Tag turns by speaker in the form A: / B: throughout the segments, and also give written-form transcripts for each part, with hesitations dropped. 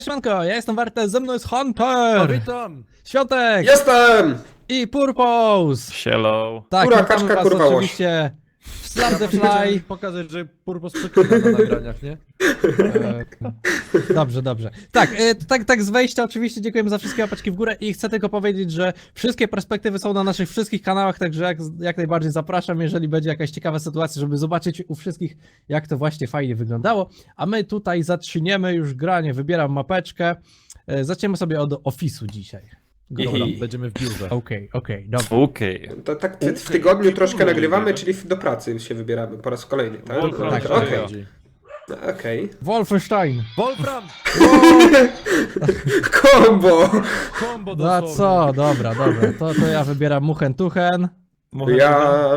A: Siemanko, ja jestem Warte, ze mną jest Hunter!
B: O, witam!
A: Świątek!
C: Jestem!
A: I Purpose!
D: Hello.
A: Tak,
C: Kurwa,
A: witamy
C: kaczka,
A: was
C: kurwa, łoś.
A: oczywiście w Slam the
B: Chciałem
A: Fly.
B: pokazać, że Purpos przekrywa na nagraniach, nie?
A: Dobrze, dobrze. Tak z wejścia oczywiście dziękujemy za wszystkie łapaczki w górę i chcę tylko powiedzieć, że wszystkie perspektywy są na naszych wszystkich kanałach, także jak najbardziej zapraszam, jeżeli będzie jakaś ciekawa sytuacja, żeby zobaczyć u wszystkich, jak to właśnie fajnie wyglądało. A my tutaj zaczniemy już granie, wybieram mapeczkę. Zaczniemy sobie od Office'u dzisiaj.
B: Dobra, będziemy w biurze.
A: Okej, dobra.
D: Okej.
C: To tak w tygodniu troszkę nagrywamy, czyli do pracy się wybieramy po raz kolejny, tak?
D: Wolfram,
A: tak,
C: Okej.
B: Chodzi.
C: Okej.
A: Wolfenstein!
B: Wolfram!
C: Kombo!
B: Kombo
A: No
B: dosłownie.
A: co, dobra, to ja wybieram Muchen Tuchen.
C: Ja...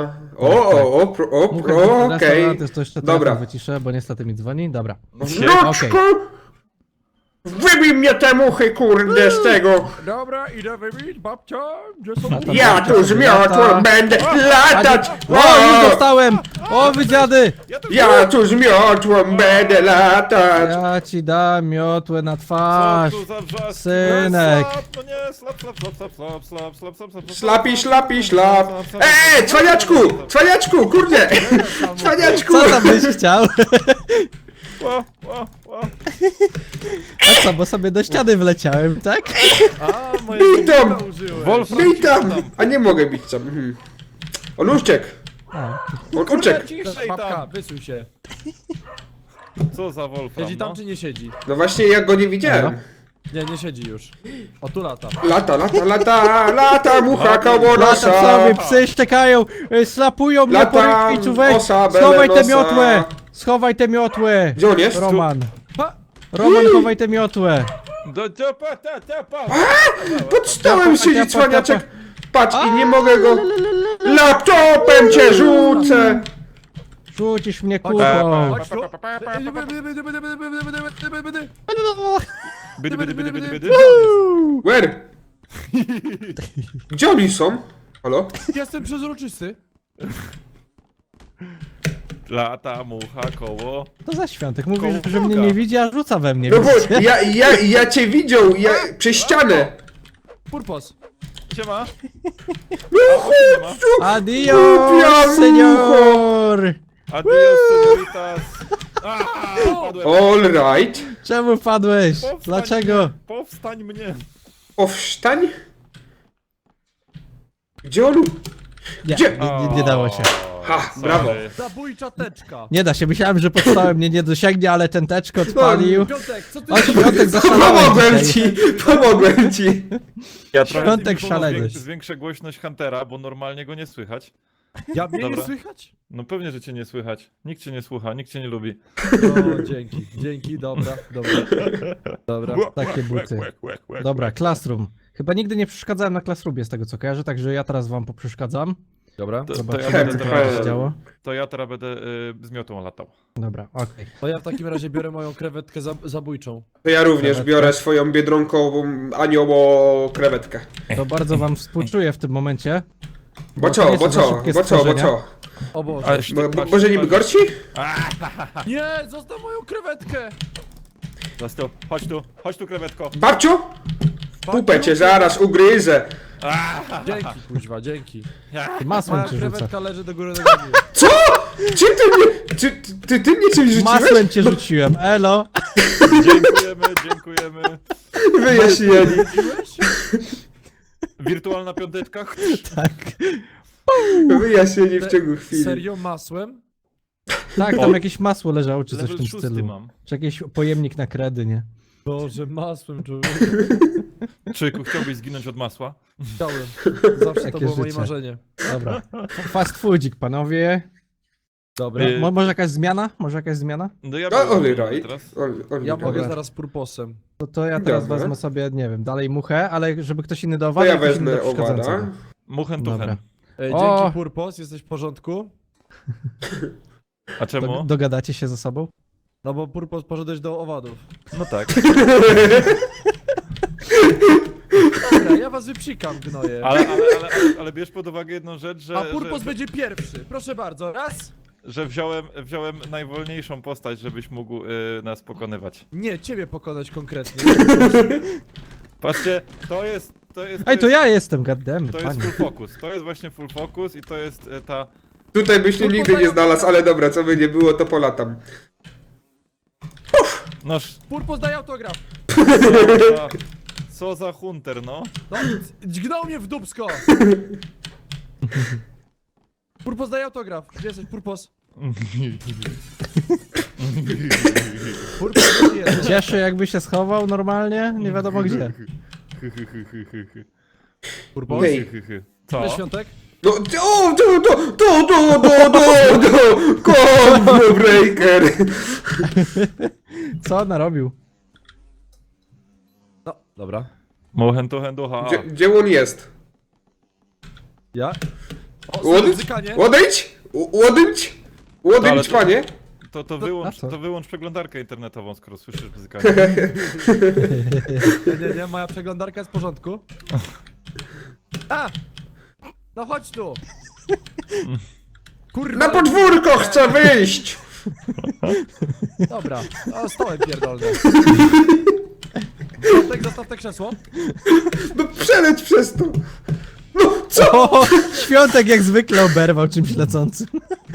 C: Okej.
A: To jeszcze
C: Dobra.
A: telefon wyciszę, bo niestety mi dzwoni. Dobra.
C: Wnuczku! Wybij mnie te muchy, kurde, z tego!
B: Dobra, idę wybić babcia, gdzie są...
A: to
C: Ja
A: babcia
C: tu z
A: sobie lata.
C: miotłą będę latać!
A: O, już dostałem! O, wy dziady!
C: Ja tu z miotłą będę latać!
A: Ja ci dam miotłę na
D: Co
A: twarz.
D: tu za wrzaski?
A: Synek.
D: No nie, slap.
C: Slapi, slapi, slap! Cwaniaczku! Cwaniaczku, kurde! Cwaniaczku!
A: Co tam byś chciał?
D: Ła.
A: A co, bo sobie do ściany wleciałem, tak?
B: A, moje
C: Witam!
B: komputer użyłeś.
D: Wolfram,
C: Witam! A nie mogę bić tam. On uciekł!
A: A,
C: On uciekł!
D: ciszej
B: Babka,
D: tam.
B: wysuń się.
D: Co za Wolfram,
B: Siedzi tam
D: no?
B: czy nie siedzi?
C: No właśnie, ja go nie widziałem.
B: Nie, nie siedzi już. O, tu lata.
C: Lata, mucha koło
A: lata sobie,
C: nosa!
A: psy szczekają, slapują mnie po
C: Latam,
A: rykwicu, weź!
C: osa,
A: Schowaj tę
C: bele,
A: miotłę!
C: nosa.
A: Schowaj tę miotłę!
C: Gdzie on jest?
A: Roman.
B: Ha!
A: Roman, chowaj tę miotłę!
D: Do ciapa, ta.
C: Pod stołem siedzi
A: Tepa.
C: cwaniaczek! Patrz, i nie mogę go... Laptopem cię rzucę!
A: Rzucisz mnie
B: Chodź,
A: kulką!
B: chodź tu.
D: Bydy.
C: Where? Gdzie oni są? Halo?
B: Jestem przezroczysty.
D: Lata, mucha, koło.
A: To za świątek, mówisz,
D: Koło
A: że mnie
D: Boga.
A: nie widzi, a rzuca we mnie.
C: No bo
A: widzicie?
C: ja cię widział, przez ścianę!
B: Purpos.
D: Siema.
A: Adios,
C: Głupia
A: senior!
D: Adios, senoritas. Padłem.
C: All right.
A: Czemu padłeś?
D: Powstań
A: Dlaczego?
D: mnie, Powstań mnie.
C: Powstań? Gdzie on?
A: Nie,
C: Gdzie?
A: nie dało się.
C: Ha,
D: Sorry.
C: brawo.
B: Zabójcza teczka.
A: Nie da się, myślałem, że podstałem mnie nie dosięgnie, ale ten teczko odpalił.
B: Piątek, co ty...
A: O, świątek zaszalałem
C: Pomogłem
A: dzisiaj.
C: ci, pomogłem ci.
D: Ja
A: Świątek szaleny.
D: Zwiększę głośność Huntera, bo normalnie go nie słychać.
B: Ja mnie nie
D: Dobra.
B: słychać?
D: No pewnie, że cię nie słychać. Nikt cię nie słucha, nikt cię nie lubi.
B: O, dzięki, dobra.
A: Takie buty. Dobra, Classroom. Chyba nigdy nie przeszkadzałem na Classroomie z tego co kojarzę, także ja teraz wam poprzeszkadzam.
B: Dobra.
D: To
A: Zobaczymy,
D: ja
A: co
D: będę
A: tam
D: teraz-
A: się działo.
D: To ja teraz będę z miotą latał.
A: Dobra, okej.
B: To ja w takim razie biorę moją krewetkę zabójczą.
C: To ja również biorę swoją biedronkową anioło krewetkę.
A: To bardzo wam współczuję w tym momencie.
C: Bo
A: to
C: co,
A: nie
C: bo
A: są za
C: co,
A: szybkie
C: bo co, bo
A: stworzenia.
C: co?
B: O Boże.
C: Może niby gorsi?
B: Nie, zostaw moją krewetkę!
D: Chodź tu, krewetko.
C: Babciu? Pupę cię zaraz ugryzę.
B: Dzięki, kuźwa, dzięki.
A: Masłem
B: Moja
A: cię rzucę.
B: krewetka leży do góry nogami.
C: Co? Czym ty mnie... Ty mnie czymś rzuciłeś?
A: Masłem cię rzuciłem, elo!
D: Dziękujemy.
C: Wyjaśnieni.
D: Wirtualna piąteczka.
A: Tak.
C: Wyjaśnieni w ciągu chwili.
B: Serio, masłem?
A: Tak, tam jakieś masło leżało, czy coś w
D: Level
A: tym
D: 6
A: stylu.
D: mam.
A: Czy jakiś pojemnik na kredy, nie?
B: Boże, masłem, człowieku.
D: Czyku, chciałbyś zginąć od masła?
B: Chciałem. Zawsze to
A: Takie
B: było moje
A: życie.
B: marzenie.
A: Dobra. Fast foodzik, panowie.
B: Dobra.
A: Może jakaś zmiana? Może jakaś zmiana?
D: No ja
C: All
D: biorę
C: right.
D: teraz.
C: All
B: Ja
C: right.
B: mogę zaraz purposem.
A: To ja teraz
C: Dobra.
A: wezmę sobie, nie wiem, dalej muchę, ale żeby ktoś inny
C: To
A: dowadł,
C: ja
A: ktoś inny
C: wezmę
A: do przeszkadzającego.
C: owada.
D: Muchen
A: Dobra.
D: tuchen.
A: O!
B: Dzięki purpos, jesteś w porządku?
D: A czemu?
A: Dogadacie się ze sobą?
B: No bo purpos poszedłeś do owadów.
D: No tak.
B: Dobra, ja was wypsikam, gnoje.
D: Ale bierz pod uwagę jedną rzecz, że...
B: A purpos
D: że...
B: będzie pierwszy. Proszę bardzo. Raz,
D: że wziąłem najwolniejszą postać, żebyś mógł nas pokonywać.
B: Nie, ciebie pokonać konkretnie.
D: Patrzcie, to jest...
A: Ej, to ja jestem, goddammit,
D: To jest
A: panie.
D: full focus, to jest właśnie full focus i to jest ta...
C: Tutaj byś mnie nigdy nie znalazł, ale dobra, co by nie było, to polatam.
D: Noż...
B: Purpos daje autograf.
D: Co za hunter, no.
B: No, dźgnął mnie w dupsko. Purpos daje autograf. Gdzie jesteś, Purpos? Purpos, gdzie jesteś?
A: Cieszę, jakby się schował normalnie, nie wiadomo gdzie.
B: Purpos?
C: Hej.
D: Co?
B: Cześć, Świątek?
C: No, Combo breaker!
A: Co narobił?
B: No, dobra.
D: Mohentu henducha.
C: Gdzie on jest?
B: Ja? O,
C: Łodyć?
B: zykanie.
C: Łodyć? Łodyć? Łodyć,
D: Ale to-
C: panie?
D: To
A: a co?
D: wyłącz przeglądarkę internetową, skoro słyszysz bzykanie.
B: Nie, moja przeglądarka jest w porządku. A! No chodź tu! Kurwa!
C: Na podwórko chcę wyjść!
B: Dobra, o, stołem pierdolny. Świątek, zostaw te krzesło.
C: No przeleć przez to! No, co?
A: O, Świątek jak zwykle oberwał czymś lecącym.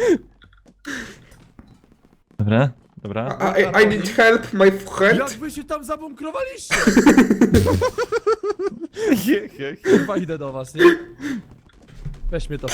D: Dobra.
C: I need help, my friend.
B: Jak wy się tam zabunkrowaliście?
D: Je.
B: Chyba idę do was, nie? Weź mnie to.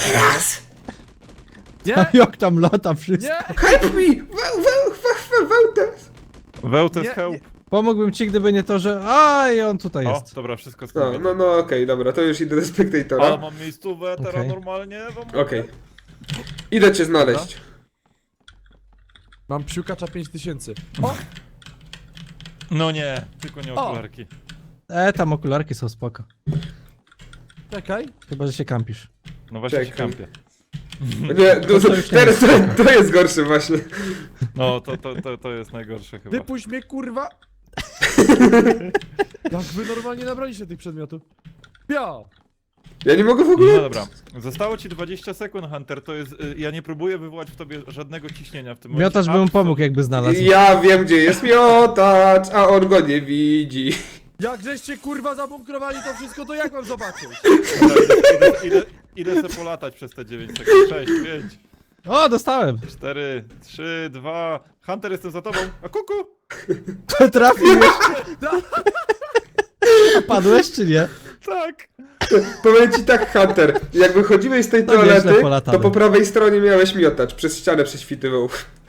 B: Nie!
A: Jak tam lata wszystko.
B: Nie!
C: Help me! Wełtes!
D: Wełtes
B: Nie,
D: help.
B: nie.
A: Pomógłbym ci, gdyby nie to, że... A, i on tutaj
D: O,
A: jest.
D: dobra, wszystko
C: No,
D: skończone.
C: no, okej, dobra, to już idę do
D: A,
C: spektatora.
D: mam miejscówę teraz
A: Okej.
D: normalnie.
C: Okej. Idę cię znaleźć.
B: Mam psiukacza 5000. O!
D: No nie, tylko nie okularki.
A: Tam okularki są spoko.
B: Czekaj.
A: Chyba, że się kampisz.
D: No właśnie się
C: Czekaj.
D: kampię.
C: Nie,
A: To już nie
C: teraz to jest gorsze właśnie.
D: No, to jest najgorsze chyba.
B: Wypuść mnie, kurwa! Jak wy normalnie nabraliście tych przedmiotów? Pio!
C: Ja nie mogę w
D: No
C: ogóle...
D: dobra, zostało ci 20 sekund, Hunter, to jest... Ja nie próbuję wywołać w tobie żadnego ciśnienia w tym momencie.
A: Miotacz by mu pomógł, jakby znalazł.
C: Ja wiem, gdzie jest miotacz, a on go nie widzi.
B: Jak żeście kurwa zabunkrowali to wszystko, to jak mam zobaczyć?
D: Idę se polatać przez te 9 sekund. 6, 5,
A: O, dostałem!
D: 4, 3, 2... Hunter, jestem za tobą. A kuku!
A: Trafiłeś! A padłeś czy nie?
D: Tak!
C: Powiem ci tak, Hunter, jak wychodziłeś z tej
A: To nieźle
C: toalety,
A: polatane.
C: to po prawej stronie miałeś miotacz, przez ścianę prześwitywał.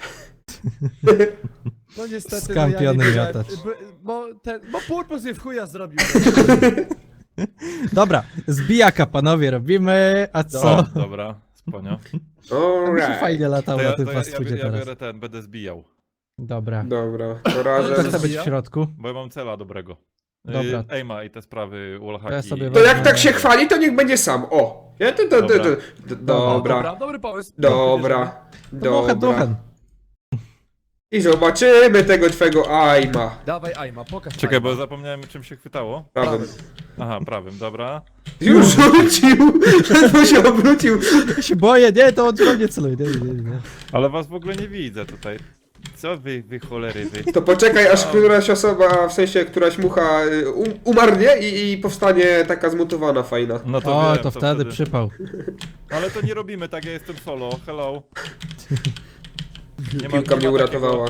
B: No niestety,
A: Skampiony
B: no ja nie wiedziałem,
A: miotacz.
B: bo Purpos mnie w chuja zrobił.
A: Dobra, zbijaka panowie robimy, a co?
D: O, dobra, sponio.
A: Mi się
C: Alright.
A: fajnie latało
D: To
A: na
D: ja,
A: tym
D: to
A: fast
D: ja,
A: foodzie
D: ja
A: teraz.
D: biorę ten, będę zbijał.
A: Dobra.
C: Dobra, to
A: To
C: razem...
A: chcę być w środku.
D: Bo ja mam cela dobrego.
A: Dobra.
D: Aima i te sprawy, wallhacki.
A: Ja sobie
C: To jak tak się chwali, to niech będzie sam, o! Ja Dobra,
B: Dobry pomysł.
C: dobra,
A: Duchen,
C: dobra.
A: duchen.
C: I zobaczymy tego twego Aima.
B: Dawaj Aima, pokaż
D: Czekaj,
B: Aima.
D: bo zapomniałem czym się chwytało.
C: Prawym.
D: Aha, prawym, dobra.
C: Już rzucił! Ledwo się obrócił.
A: Ja się boję, nie, to on we mnie celuje, nie.
D: Ale was w ogóle nie widzę tutaj. Co wy cholery, wy?
C: To poczekaj, aż któraś osoba, w sensie któraś mucha umarnie i powstanie taka zmutowana fajna.
D: No to
A: O,
D: wiem,
A: to wtedy przypał.
D: Ale to nie robimy tak, ja jestem solo. Hello. Nie
C: Piłka mnie
D: ma
C: uratowała.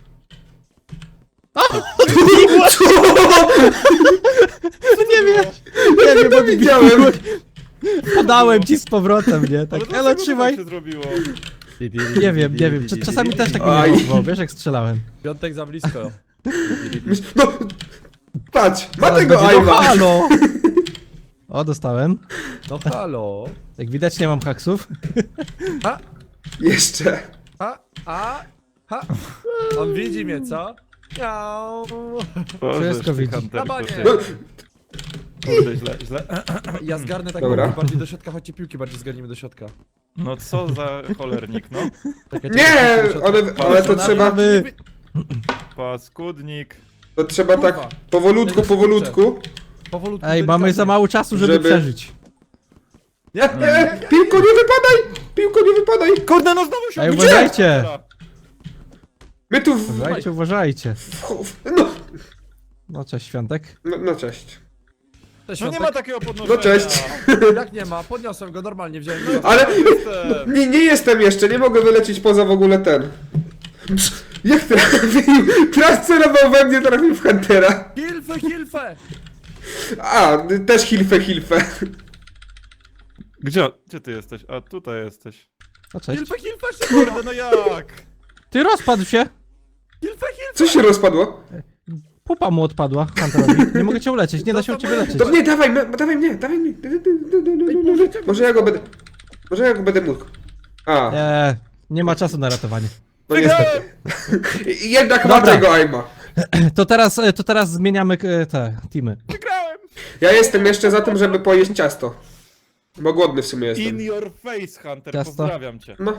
A: Nie wiem,
C: Ja to widziałem.
A: podałem ci z powrotem, nie?
D: Ale
A: Tak,
D: dlaczego
A: elo,
D: to
A: trzymaj.
D: tak się zrobiło.
A: Nie wiem. Czasami też tak
C: Aj.
A: mi było, wiesz jak strzelałem.
B: Piątek za blisko.
C: No, patrz, ma
A: Zaraz
C: tego
A: będzie, no
C: Aima.
A: halo! O, dostałem.
B: No halo.
A: Jak widać nie mam haksów.
B: A,
C: Jeszcze.
B: ha. On widzi mnie, co? Miau.
D: Boże,
A: Wszystko
D: ty,
A: widzi.
D: Hunter,
B: Na banie.
D: ty. Kurde, źle.
B: Ja zgarnę tak
C: Dobra.
B: bardziej do środka, chodźcie piłki bardziej zgarnijmy do środka.
D: No co za cholernik, no.
B: Czekaj,
C: Nie,
B: czekaj, do środka.
C: ale to trzeba,
D: Paskudnik.
C: to trzeba tak powolutku.
B: Powolutku.
A: Ej, mamy za mało czasu, żeby
C: Żeby-
A: przeżyć.
B: Nie,
C: Piłko, nie wypadaj! Piłko, nie wypadaj!
D: Kurde, no znowu się
A: Ej,
D: odbiło!
A: uważajcie!
C: My tu
A: Uważajcie, uważajcie.
C: No,
A: No cześć, Świątek.
C: no cześć.
B: Cześć,
D: No nie
B: Świątek.
D: ma takiego podnoszenia.
C: No cześć.
B: Jak nie ma? Podniosłem go normalnie, wziąłem go.
C: Ale
D: Jestem.
C: nie jestem jeszcze, nie mogę wylecieć poza w ogóle ten. Jak trafił? Teraz celował we mnie, trafił w Huntera.
B: Hilfe!
C: A, też hilfe.
D: Gdzie ty jesteś? A tutaj jesteś.
A: No cześć.
B: Hilfe, szybko!
D: Kurde, no jak?
A: Ty rozpadł się!
B: Hilfe!
C: Co się rozpadło?
A: Pupa mu odpadła, Hunterowi. Nie mogę cię uleczyć, nie da się u ciebie leczyć.
C: To nie, dawaj mnie. Może ja go będę mógł. A,
A: Nie ma czasu na ratowanie.
C: no niestety. Jednak ma
A: Dobra.
C: tego aima.
A: To teraz zmieniamy te teamy.
D: Wygrałem!
C: Ja jestem jeszcze za tym, żeby pojeść ciasto. Bo głodny w sumie
D: In
C: jestem.
D: your face, Hunter,
A: Ciasto.
D: pozdrawiam cię.
C: No.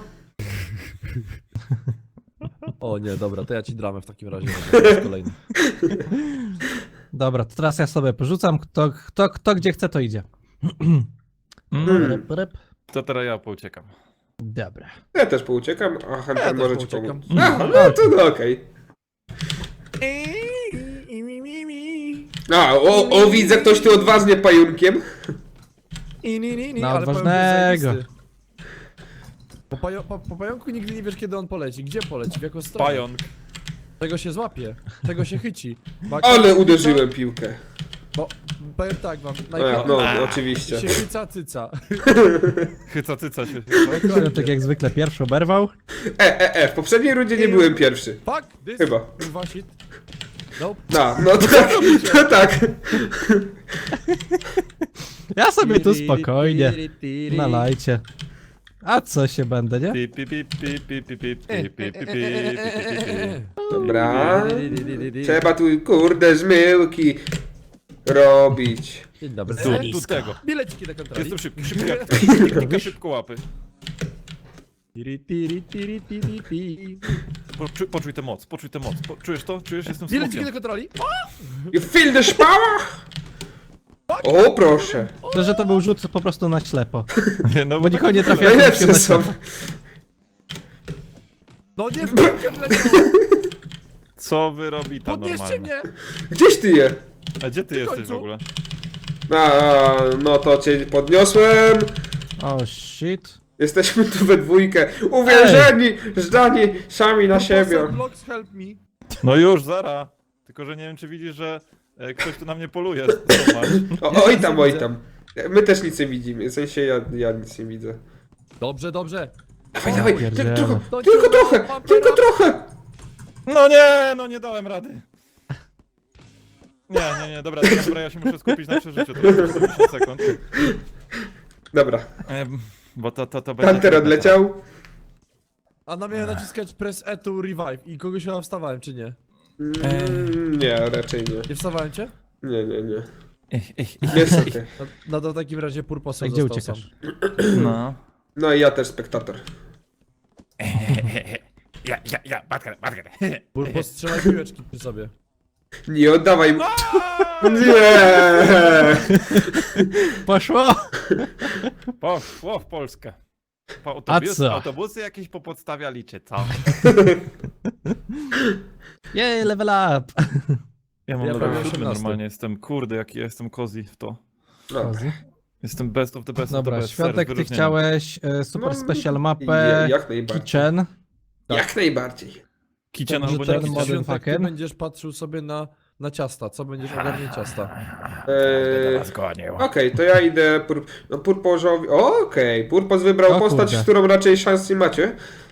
B: O nie, dobra, to ja ci dramę w takim razie. To jest kolejny.
A: Dobra, to teraz ja sobie porzucam. Kto gdzie chce, to idzie. Ryp, ryp.
D: To teraz ja pouciekam.
A: Dobra.
C: Ja też pouciekam, a Hunter
B: Ja
C: może
B: też
C: ci
B: pouciekam.
C: pomóc. A, no to no okej. A, o widzę, ktoś tu odważnie pajunkiem.
A: Na
B: ale
A: odważnego.
B: pająk jest zajebisty. Po pająku nigdy nie wiesz, kiedy on poleci. Gdzie poleci? W jaką stronę?
D: Pająk.
B: Tego się złapie. Tego się chyci. Bo
C: Ale uderzyłem piłkę.
B: Bo powiem tak wam.
C: A, no, oczywiście.
B: Się chyca cyca.
D: Chyca się.
A: Tak jak zwykle pierwszy oberwał.
C: W poprzedniej rundzie nie byłem pierwszy.
B: Fuck this.
C: Chyba.
B: Kurwa shit. Nope.
C: No tak, no tak.
A: Ja sobie tu spokojnie. Nalajcie. A co się będę, nie?
D: Pi, pi, pi, pi, pi, pi, pi, pi, pi, pi, pi, pi, pi.
C: Dobra. Trzeba tu, kurde, zmyłki robić.
B: Dzień dobry.
D: Tu tego.
B: Bileciki do kontroli.
D: Jestem szybki jak technika szybko łapy. Poczuj tę moc. Czujesz to? Czujesz? Jestem
B: Bileciki do
D: smokiem.
B: kontroli.
C: You feel the power? O, proszę.
A: To, że to był rzut po prostu na ślepo.
D: No
A: Bo nikogo nie
D: tak
A: trafiało.
C: Najlepsze są.
B: No nie w piłkę wleciał.
D: Co wy robi tam
B: Podnieście
D: normalnie?
B: mnie.
C: Gdzieś ty je?
D: A gdzie ty jesteś w
B: końcu.
D: ogóle?
C: No to cię podniosłem.
A: Oh shit.
C: Jesteśmy tu we dwójkę. Uwierzeni, zdani sami na siebie.
B: Blocks help me.
D: No już, zara. Tylko, że nie wiem, czy widzisz, że ktoś tu na mnie poluje. Zobacz.
C: Oj tam. My też nic nie widzimy. W sensie ja nic nie widzę.
B: Dobrze.
C: Dawaj,
A: pierdziele.
C: tylko trochę.
D: No nie dałem rady. Nie, dobra, ja się muszę skupić na przeżyciu. To jest 40 sekund.
C: Dobra,
D: Bo to będzie...
C: Hunter odleciał.
B: A na mnie naciskać press E to revive. I kogoś chyba wstawałem, czy nie?
C: Nie, raczej nie.
B: Nie wstawałem cię?
C: Nie. Niestety.
B: No to w takim razie
A: A
B: purposem
A: gdzie
B: został
A: uciekasz?
D: No.
C: No i ja też spektator.
D: Ja, Batker.
B: Purpos strzelaj piłeczki przy sobie.
C: Nie oddawaj mu. Nie.
A: Poszło!
D: Poszło w Polskę.
A: A co?
D: Autobusy jakieś popodstawialiście, co?
A: Jej, level up!
D: Ja mam
B: Ja
D: level
B: prawie
D: 7
B: 18.
D: normalnie, jestem, kurde, jaki ja jestem cozy w to.
C: No.
D: Jestem best of the best
A: Dobra,
D: of the best.
A: Świątek, ty
D: wyróżnienie.
A: chciałeś super
C: No,
A: special mapę
C: Jak najbardziej.
A: Kitchen.
C: Jak najbardziej.
D: Kician
A: Dobrze,
D: albo
A: ten
D: nie
A: model
D: kician.
B: Świątek, ty
A: fucker.
B: będziesz patrzył sobie na ciasta. Co będziesz ogarniał ciasta?
C: Okej, to ja idę Purpozowi. Okej, Purpos wybrał
A: O
C: postać,
A: kurde.
C: z którą raczej szans nie macie.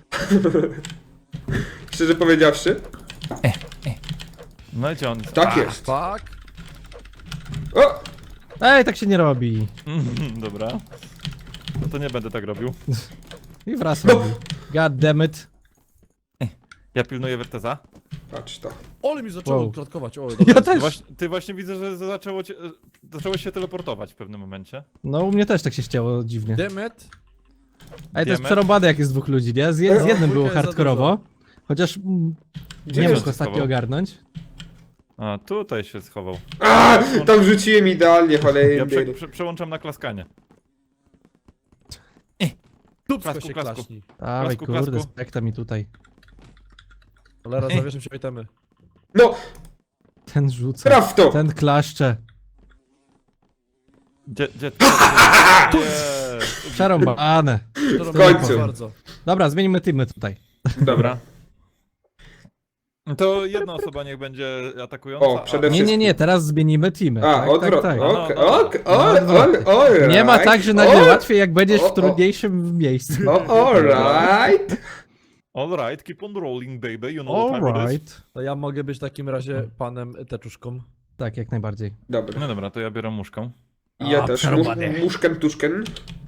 C: Szczerze powiedziawszy.
D: No i gdzie on?
C: Tak jest.
B: Fuck.
C: O!
A: Ej, tak się nie robi.
D: Dobra. No to nie będę tak robił.
A: I wraz robi. God damn it.
D: Ja pilnuję Werteza.
C: Patrz to.
B: Ole mi zaczęło
A: Wow.
B: klatkować. O,
A: Ja
B: dobra.
A: też.
D: Ty właśnie widzę, że zaczęło się teleportować w pewnym momencie.
A: No u mnie też tak się chciało dziwnie.
B: Demet.
A: Ej, to jest
D: Wiemy.
A: przerobane jak jest dwóch ludzi, nie? Z jednym było
B: dwójka jest za
A: hardkorowo. Chociaż
C: Gdzie
A: nie
C: jest
A: mógł ostatnio
D: schował?
A: ogarnąć.
D: A, tutaj się schował.
C: A, tam rzuciłem idealnie,
D: Ja
C: cholera.
D: przełączam na klaskanie.
B: Dupsko
D: Klasku,
B: się
D: klasku.
B: klaśni.
A: Dawaj,
D: Klasku,
A: kurde,
D: klasku.
A: spekta mi tutaj.
B: Cholera, zawieszam się itemy.
C: No,
A: Ten rzuca.
C: traf w to!
A: Ten klaszcze.
D: Gdzie...
A: Przerąbane.
B: To
C: W końcu.
B: robię bardzo.
A: Dobra, zmienimy teamy tutaj.
C: Dobra.
D: To jedna osoba niech będzie atakująca.
C: O, przede
A: Nie,
C: wszystkim.
A: nie, teraz zmienimy teamy.
C: A,
A: tak,
C: odwrot.
A: tak, tak.
C: Okej,
D: No,
C: okej,
A: no,
C: alright.
A: Nie ma tak, że nagle łatwiej, jak będziesz
C: o,
A: w trudniejszym miejscu.
C: Alright.
D: Alright, keep on rolling, baby, you know what time it is.
A: Alright.
B: To ja mogę być w takim razie panem teczuszką.
A: Tak, jak najbardziej.
C: Dobra.
D: No dobra, to ja biorę muszkę.
C: I ja
A: A,
C: też.
A: przerąbane.
C: Muszken, tuszken.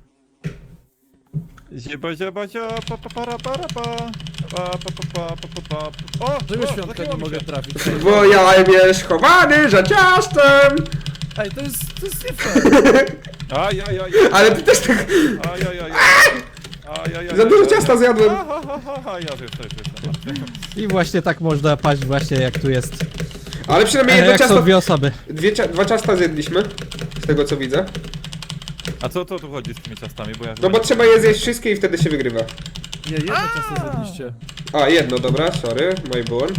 D: Zieba, zieba, zia, pa, pa, para, para, pa. Pa, pa, pa, pa, pa, pa, pa. O,
B: Czego
D: o,
B: świątka
D: zacięło
B: nie
D: mi
B: mogę
D: się.
B: trafić?
C: Bo ja jest schowany za ciastem.
B: Ej, to jest nie fair.
D: Ajajaj.
C: Ale ty też tak
D: Ajajaj. Ajajaj.
C: za dużo ciasta zjadłem.
D: Ja też jestem.
A: I właśnie tak można paść właśnie jak tu jest.
C: Ale przynajmniej jedno
A: Jak są
C: ciasto,
A: dwie osoby.
C: dwa ciasta zjedliśmy. Z tego co widzę.
D: A co to tu chodzi z tymi ciastami, bo ja...
C: No bo trzeba je zjeść wszystkie i wtedy się wygrywa.
B: Nie, jedno ciasto zjedliście.
C: A, jedno, dobra, sorry, mój błąd.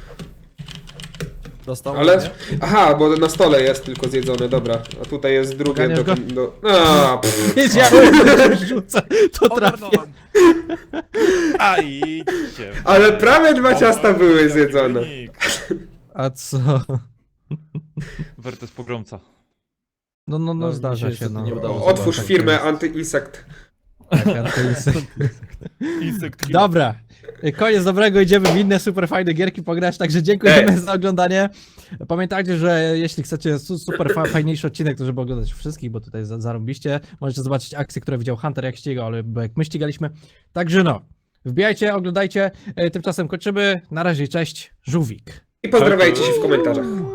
B: Dostał
C: Ale...
B: mnie?
C: Aha, bo na stole jest tylko zjedzone, dobra. A tutaj jest drugie
A: Ganiasz go?
C: do... A, pff.
A: Wiedziałem, że rzucę, to trafię.
B: Ogarnąłem.
D: A idźcie.
C: Ale prawie dwa ciasta były zjedzone.
A: A co?
D: Wertes pogromca.
A: No,
B: No, mi
A: zdarza
B: się
A: się, no.
B: niestety nie udało.
C: Otwórz
A: Tak,
C: firmę
A: tak.
C: Anty-Insekt.
A: Tak, antyinse-
D: Insekt kill.
A: Dobra. Koniec dobrego, idziemy w inne super fajne gierki pograć, także dziękujemy za oglądanie. Pamiętajcie, że jeśli chcecie super fajniejszy odcinek, to żeby oglądać wszystkich, bo tutaj zarobiście, możecie zobaczyć akcje, które widział Hunter, jak ścigał, ale jak my ścigaliśmy. Także no, wbijajcie, oglądajcie, tymczasem kończymy. Na razie, cześć, żółwik.
C: I pozdrawiajcie się w komentarzach.